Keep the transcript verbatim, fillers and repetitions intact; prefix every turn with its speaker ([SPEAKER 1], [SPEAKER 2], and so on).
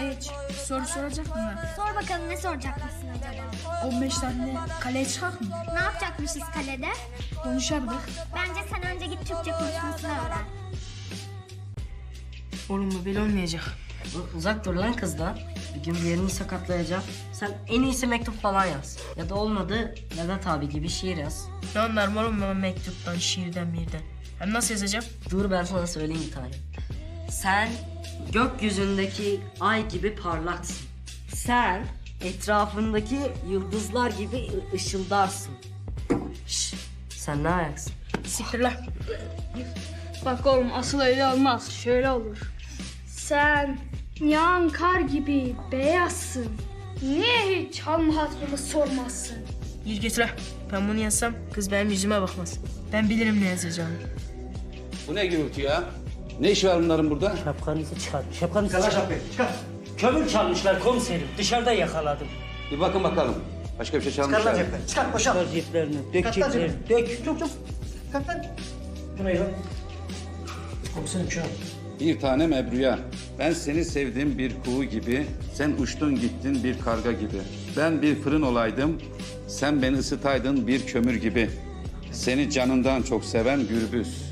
[SPEAKER 1] Hiç. Soru soracak mı?
[SPEAKER 2] Sor bakalım ne soracak mısın acaba?
[SPEAKER 1] on beş tane kaleye çıkak mı?
[SPEAKER 2] Ne yapacakmışız kalede?
[SPEAKER 1] Konuşardık.
[SPEAKER 2] Bence sen önce git Türkçe konuşmasını öğren.
[SPEAKER 3] Oğlum bu böyle olmayacak.
[SPEAKER 4] Uzak dur lan kızdan. Bir gün bir yerini sakatlayacak. Sen en iyisi mektup falan yaz. Ya da olmadı Vedat abi gibi şiir yaz.
[SPEAKER 3] Ne anlarım oğlum ben mektuptan, şiirden, birden. Hem nasıl yazacağım?
[SPEAKER 4] Dur ben sana söyleyeyim bir tane. Sen gökyüzündeki ay gibi parlaksın. Sen etrafındaki yıldızlar gibi ı- ışıldarsın. Şş, sen ne ayaksın?
[SPEAKER 3] Siktir lan.
[SPEAKER 1] Bak oğlum asıl öyle olmaz. Şöyle olur. Sen yağan kar gibi beyazsın. Niye hiç hal hatırımı sormazsın?
[SPEAKER 3] Yürü git lan. Ben bunu yazsam kız benim yüzüme bakmaz. Ben bilirim ne yazacağımı.
[SPEAKER 5] Bu ne gürültü ya? Ne iş var bunların burada?
[SPEAKER 4] Şapkanızı çıkar. Şapkanızı
[SPEAKER 6] Çıkar
[SPEAKER 4] çıkar.
[SPEAKER 6] şapkayı, çıkar.
[SPEAKER 4] Kömür çalmışlar komiserim. Dışarıda yakaladım.
[SPEAKER 5] Bir bakın bakalım. Başka bir şey
[SPEAKER 6] Çıkar
[SPEAKER 5] çalmışlar
[SPEAKER 6] lan
[SPEAKER 5] mı?
[SPEAKER 6] cepten. Çıkar boşalt.
[SPEAKER 4] Çıkar ceplerini. Dök
[SPEAKER 6] Çıkar lan
[SPEAKER 4] ceplerini.
[SPEAKER 6] cepten.
[SPEAKER 4] Dök.
[SPEAKER 6] Çok çok. Kalk lan. Bu ne lan? Komiserim şu an.
[SPEAKER 5] Bir tanem Ebru'ya. Ben seni sevdim bir kuğu gibi. Sen uçtun gittin bir karga gibi. Ben bir fırın olaydım. Sen beni ısıtaydın bir kömür gibi. Seni canından çok seven gürbüz.